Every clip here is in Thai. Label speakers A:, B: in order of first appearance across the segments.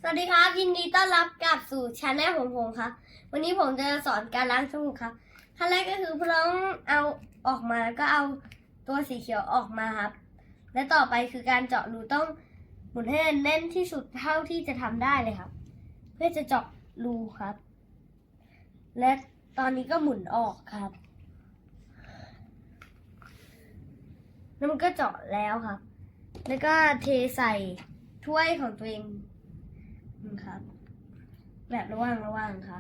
A: วัสดีครับยินดีต้อนรับกลับสู่ชาแนลของผมครับวันนี้ผมจะสอนการล้างจมูกครับขั้นแรกก็คือพร้องเอาออกมาแล้วก็เอาตัวสีเขียวออกมาครับและต่อไปคือการเจาะรูต้องหมุนให้แน่นที่สุดเท่าที่จะทำได้เลยครับเพื่อจะเจาะรูครับ และตอนนี้ก็หมุนออกครับแล้วมันก็เจาะแล้วครับแล้วก็เทใส่ถ้วยของตัวเองครับแบบระว่างครับ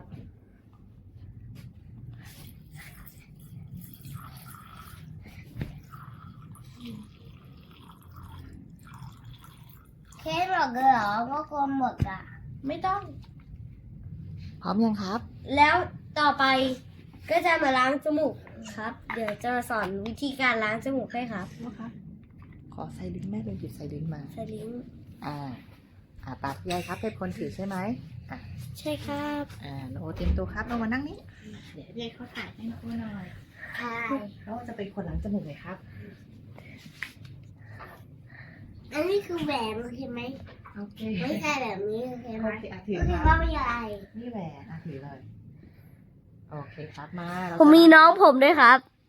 B: เทหมดเลยเหรอก็กลมหมดอ่ะ
A: ไม่ต้อง
C: พร้อมยังครับ
A: แล้วต่อไปก็จะมาล้างจมูกครับ เดี๋ยวจะสอนวิธีการล้างจมูกให้ครับ
C: ขอใส่ลิ้นแม่เลยหยิบใส่ลิ้นมา
A: ใส่ลิ้น
C: ตาพี่ใหญ่ครับเป็นคนถือใช่ไหม
A: ใช่ครับ
C: โนโอเตรียมตัวครับเรามานั่งนี้เดี๋ยวพี่ใหญ่เขาถ่ายให้น้องหน่อย
B: ใช่
C: เราจะเป็นคนล้างจมูกเลยครับ
B: อันนี้คือแหวนใช่ไหม
C: โอเค
B: ไม่ใช่แบบนี้ใช่ไหม
C: โอเคถือ
B: ก็
C: ค
B: คือ
C: รับ
B: ว่าไม่ใช่
C: นี่แหวนถือเลยโอเคครับมาเรา
A: ผมมีน้องผมด้วยครับ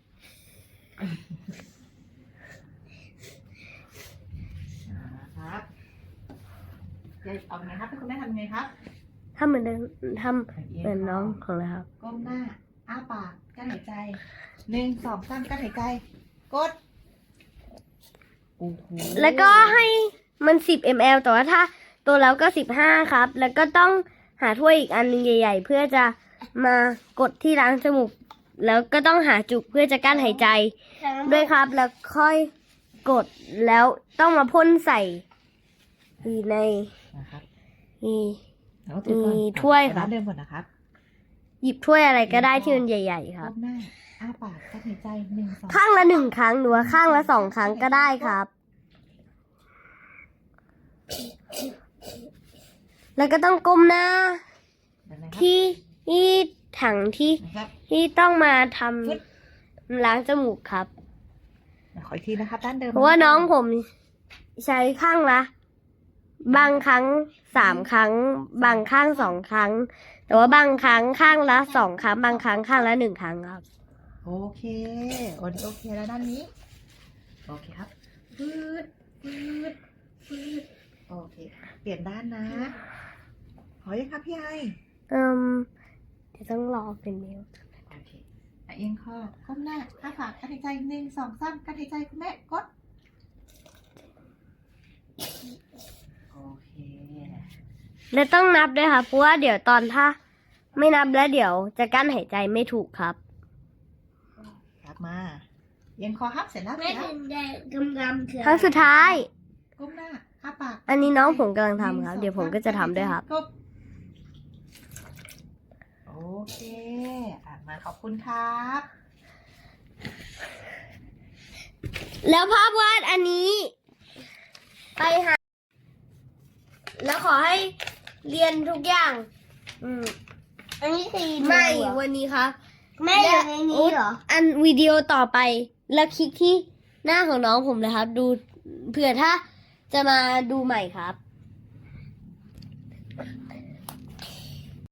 C: ครับเอาไงครับให้คุณแม่ทำไงครับ
A: ทำเหมือนเดิมทำเหมือนน้องของเราครับ
C: ก้มหน้าอ้าปากกั้นหายใจ1 2 3กั้นหายใจกดโอ้โห
A: แล้วก็ให้มัน10 ml แต่ว่าถ้าตัวแล้วก็15ครับ แล้วก็ต้องหาถ้วยอีกอันนึงใหญ่ ๆ เพื่อจะมากดที่ล้างจมูก แล้วก็ต้องหาจุกเพื่อจะกั้นหายใจด้วยครับ แล้วค่อยกดแล้วต้องมาพ่นใส่ใน
C: นะครับ
A: นี่
C: แล้วถือก่อน
A: มีถ้วยครับ
C: ร้านเดิมก่อนนะครับ
A: หยิบถ้วยอะไรก็ได้ที่มันใหญ่ ๆ ครับ
C: ก้มหน้าอ้าปากกั้นหายใจ1 2
A: ข้างละ1 ครั้งหรือว่าข้างละ2 ครั้งก็ได้ครับ แล้วก็ต้องก้มหน้า
C: นะครับ
A: ที่ถังที่
C: นะครับ
A: ที่ต้องมาท
C: ฟึด
A: ำล้างจมูกครับ
C: ขออีกทีนะครับด้านเดิม
A: เพราะว่าน้องผมใช้ข้างละบางครั้ง3 ครั้ง บางข้าง2 ครั้ง แต่ว่าบางครั้งข้างละ2 ครั้ง บางครั้งข้างละ1 ครั้งครับ
C: โอเคโอเคแล้วด้านนี้โอเคครับฟืดโอเคเปลี่ยนด้านนะขอยังครับพี่ไอ
A: เดี๋ยวต้องรอเป็นเมล
C: โอเคเอียงคอก้มหน้าอ้าปากกั้นหายใจ1 2 3กั้นหายใจคุณแม่กดโอเค
A: และต้องนับด้วยค่ะเพราะว่าเดี๋ยวตอนถ้าไม่นับแล้วเดี๋ยวจะกั้นหายใจไม่ถูกครับ
C: กลับมาเอียงคอครับเสร็จแล้ว
B: ไม่ถึงได้กำคือ
A: ครั้งสุดท้าย
C: ก้มหน้าอ้าปาก
A: อันนี้น้องผมกำลังทำครับ เดี๋ยวผมก็จะทำด้วยครับ
C: กบโอเคมาขอบคุณครับ
A: แล้วภาพวาดอันนี้ ไปหา แล้วขอให้เรียนทุกอย่าง
B: อันนี้คือ
A: ไม่วันนี้ครับ
B: ไม่อย่างในนี้เหรอ
A: อันวิดีโอต่อไป แล้วคลิกที่หน้าของน้องผมเลยครับ ดูเผื่อถ้าจะมาดูใหม่ครับ